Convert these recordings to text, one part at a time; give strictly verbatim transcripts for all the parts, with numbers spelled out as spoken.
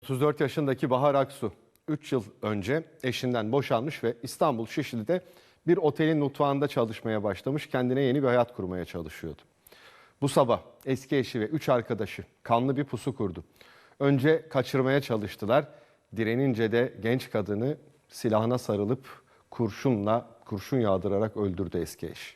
otuz dört yaşındaki Bahar Aksu üç yıl önce eşinden boşanmış ve İstanbul Şişli'de bir otelin mutfağında çalışmaya başlamış, kendine yeni bir hayat kurmaya çalışıyordu. Bu sabah eski eşi ve üç arkadaşı kanlı bir pusu kurdu. Önce kaçırmaya çalıştılar. Direnince de genç kadını silahına sarılıp kurşunla kurşun yağdırarak öldürdü eski eş.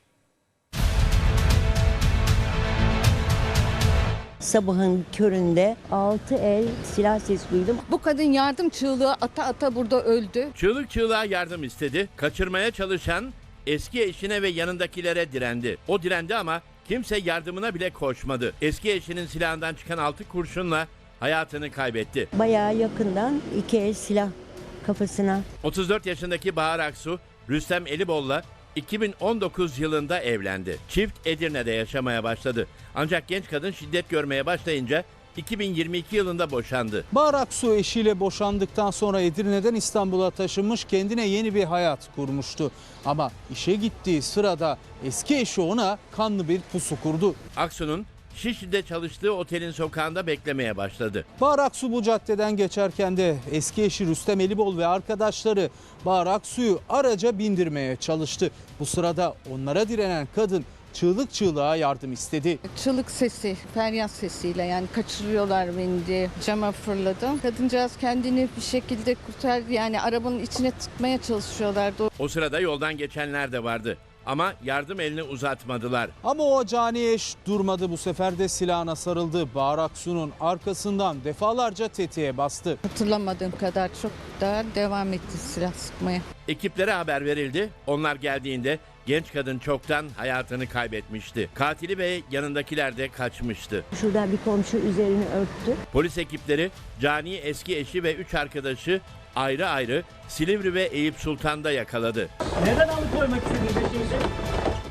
Sabahın köründe altı el silah sesi duydum. Bu kadın yardım çığlığı ata ata burada öldü. Çığlık çığlığa yardım istedi. Kaçırmaya çalışan eski eşine ve yanındakilere direndi. O direndi ama kimse yardımına bile koşmadı. Eski eşinin silahından çıkan altı kurşunla hayatını kaybetti. Bayağı yakından iki el silah kafasına. otuz dört yaşındaki Bahar Aksu, Rüstem Elibol'la iki bin on dokuz yılında evlendi. Çift Edirne'de yaşamaya başladı. Ancak genç kadın şiddet görmeye başlayınca iki bin yirmi iki yılında boşandı. Bahar Aksu eşiyle boşandıktan sonra Edirne'den İstanbul'a taşınmış, kendine yeni bir hayat kurmuştu. Ama işe gittiği sırada eski eşi ona kanlı bir pusu kurdu. Aksu'nun Şişli'de çalıştığı otelin sokağında beklemeye başladı. Bahar Aksu bu caddeden geçerken de eski eşi Rüstem Elibol ve arkadaşları Bahar Aksu'yu araca bindirmeye çalıştı. Bu sırada onlara direnen kadın çığlık çığlığa yardım istedi. Çığlık sesi, feryat sesiyle yani kaçırıyorlar beni diye cama fırladım. Kadıncağız kendini bir şekilde kurtardı, yani arabanın içine tıkmaya çalışıyorlardı. O sırada yoldan geçenler de vardı. Ama yardım elini uzatmadılar. Ama o cani eş durmadı, bu sefer de silahına sarıldı. Bahar Aksu'nun arkasından defalarca tetiğe bastı. Hatırlamadığım kadar çok daha devam etti silah sıkmaya. Ekiplere haber verildi. Onlar geldiğinde genç kadın çoktan hayatını kaybetmişti. Katili ve yanındakiler de kaçmıştı. Şuradan bir komşu üzerini örttü. Polis ekipleri cani eski eşi ve üç arkadaşı ayrı ayrı Silivri ve Eyüp Sultan'da yakaladı. Neden alıkoymak istediniz eşinizi?